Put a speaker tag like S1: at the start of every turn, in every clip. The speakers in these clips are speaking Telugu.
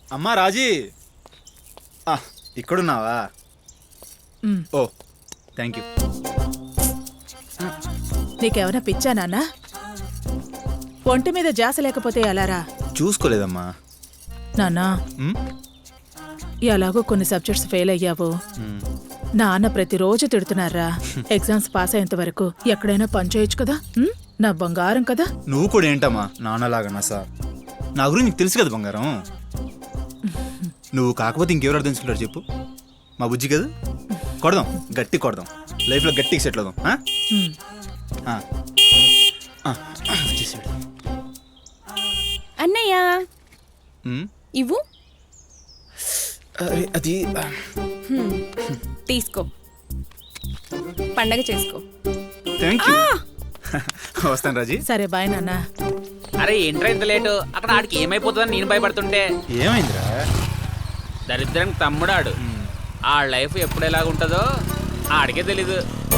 S1: అమ్మా రాజీ ఇక్కడున్నావా? Oh thank you.
S2: నీకేమైనా పిచ్చా నాన్న? ఒంటి మీద జాస లేకపోతే ఎలారా?
S1: చూసుకోలేదమ్మా.
S2: నాన్నా ఎలాగో కొన్ని సబ్జెక్ట్స్ ఫెయిల్ అయ్యావు. నాన్న ప్రతిరోజు తిడుతున్నారా. ఎగ్జామ్స్ పాస్ అయ్యేంత వరకు ఎక్కడైనా పని చేయొచ్చు కదా. నా బంగారం కదా.
S1: నువ్వు కూడా ఏంటమ్మా నాన్నలాగా నా సార్? నా గురించి నీకు తెలుసు కదా బంగారం. నువ్వు కాకపోతే ఇంకెవరు అర్థం చేసుకుంటారు చెప్పు? మా బుజ్జి కదా. కొడదాం, గట్టి కొడదాం, లైఫ్లో గట్టికి సెటిల్ అవుదాం.
S3: అన్నయ్య ఇవ్వు.
S1: అది
S3: తీసుకో, పండగ చేసుకో.
S1: Thank you. వస్తాను రాజీ.
S2: సరే బాయ్ నాన్న.
S4: అరే ఏంట్రా ఇంత లేటు? అక్కడ ఆడికి ఏమైపోతుందని నేను భయపడుతుంటే.
S1: ఏమైందిరా?
S4: దరిద్రం తమ్ముడాడు. ఆ లైఫ్ ఎప్పుడు ఎలాగుంటుందో ఆడికే తెలీదు.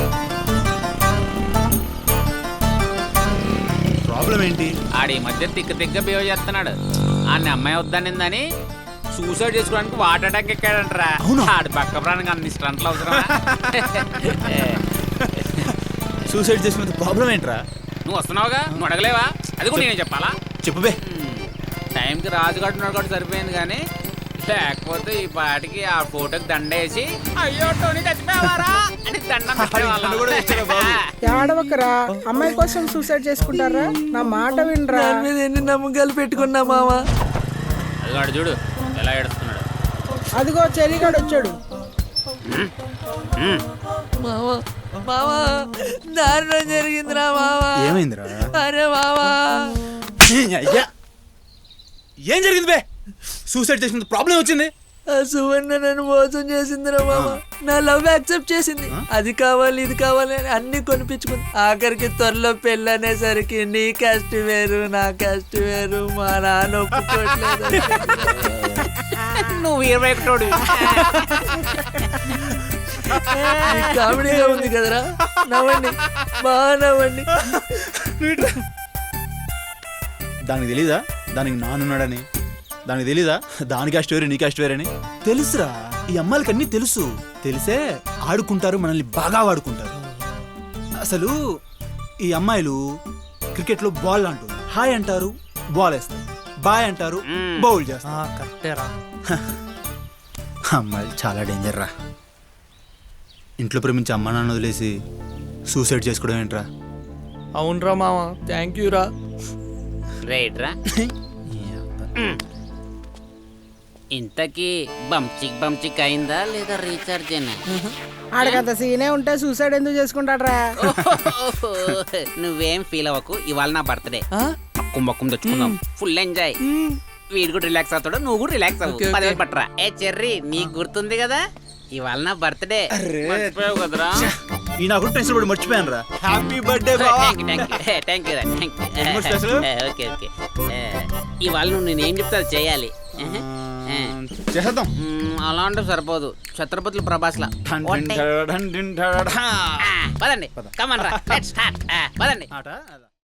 S1: ప్రాబ్లం ఏంటి?
S4: ఆడి మధ్య తిక్క బిహేవ్ చేస్తున్నాడు. ఆడిని అమ్మాయి వద్దనిందని సూసైడ్ చేసుకోవడానికి వాటర్ అటాక్ ఎక్కాడంటరా. ఆడి పక్క ప్రాణంగా అన్ని స్టంట్లు అవసరం.
S1: సూసైడ్ చేసినంత ప్రాబ్లం ఏంట్రా?
S4: నువ్వు వస్తున్నావుగా, నువ్వు అడగలేవా? అది కూడా నేనే చెప్పాలా?
S1: చెప్పుబే.
S4: టైంకి రాజుగాడు ఉన్నాడు కూడా సరిపోయింది, కానీ లేకపోతే ఈ పాటికి ఆ ఫోటోకి దండేసి అయ్యో టోనీ చచ్చిపోయావారా అని దండం పెట్టేవాళ్ళం.
S5: ఏడవకరా, అమ్మాయి కోసం సూసైడ్ చేసుకుంటారా? నా మాట వినరా.
S6: మీద ఎన్ని నమ్మకాలు పెట్టుకున్నా మావా.
S4: అదిగాడు చూడు ఎలా ఏడుస్తున్నాడు.
S5: అదిగో చెలిగాడు వచ్చాడు.
S6: మావా మావా దారుణం జరిగిందిరా మావా.
S1: ఏమైందిరా?
S6: అరే మావా
S1: అయ్యా ఏం జరిగింది బే? సూసైడ్ చేసినంత ప్రాబ్లం వచ్చింది.
S6: ఆ సువర్ణ నన్ను మోసం చేసిందిరా మావా. నా లవ్ యాక్సెప్ట్ చేసింది. అది కావాలి ఇది కావాలి అని అన్ని కొనిపించుకుంది. ఆఖరికి త్వరలో పెళ్ళి అనేసరికి నీ క్యాస్ట్ వేరు నా క్యాస్ట్ వేరు, మా నాన్న ఒప్పుకోవట్లేదు.
S4: నువ్వు 21
S6: కామెడీగా ఉంది కదరా. నవ్వండి, బాగా నవ్వండి.
S1: దానికి తెలీదా దానికి నానున్నాడని? దానికి తెలీదా దాని క్యాస్ట్ వేరు నీ క్యాస్ట్ వేరని? తెలుసురా, ఈ అమ్మాయిలకి అన్నీ తెలుసు. తెలిసే ఆడుకుంటారు, మనల్ని బాగా వాడుకుంటారు. అసలు ఈ అమ్మాయిలు క్రికెట్లో బాల్ అంటారు, హాయ్ అంటారు, బాల్ వేస్తారు, బాయ్ అంటారు, బౌల్ చేస్తారు.
S6: కరెక్టేరా.
S1: అమ్మాయిలు చాలా డేంజర్ రా. ఇంట్లో ప్రేమించి అమ్మా నాన్న వదిలేసి సూసైడ్ చేసుకోవడం ఏంట్రా?
S6: అవునరా మావా, థ్యాంక్ యూ రా.
S4: రైట్ రా. ఇంతకీ బంచిక్ అయిందా లేదా రీఛార్జ్ అయినా?
S5: ఆడికంత సీనే ఉంటే సూసైడ్ ఎందుకు చేసుకుంటాడ్రా?
S4: నువ్వేం ఫీల్ అవ్వకు, ఇవాళ నా బర్త్డే. మొక్కం తెచ్చుకుందాం, ఫుల్ ఎంజాయ్. వీడు కూడా రిలాక్స్ అవుతాడు, నువ్వు కూడా రిలాక్స్ అవ్వు. 10,000 పట్టరా. ఏ చెర్రీ, నీకు గుర్తుంది కదా ఇవాళ నా బర్త్డే. మర్చిపోయావు కదరా?
S1: ఈ నాకు టెన్షన్ పడి మర్చిపోయాను రా. హ్యాపీ బర్త్డే బావా.
S4: Thank you. Okay okay. ఇవాళ నువ్వు నేనేం చెప్తా అది చేయాలి.
S1: చేద్దాం.
S4: అలా అంటే సరిపోదు, ఛత్రపతులు ప్రభాస్లా. పదండి, కమన్ రా, లెట్స్ స్టార్ట్. పదండి.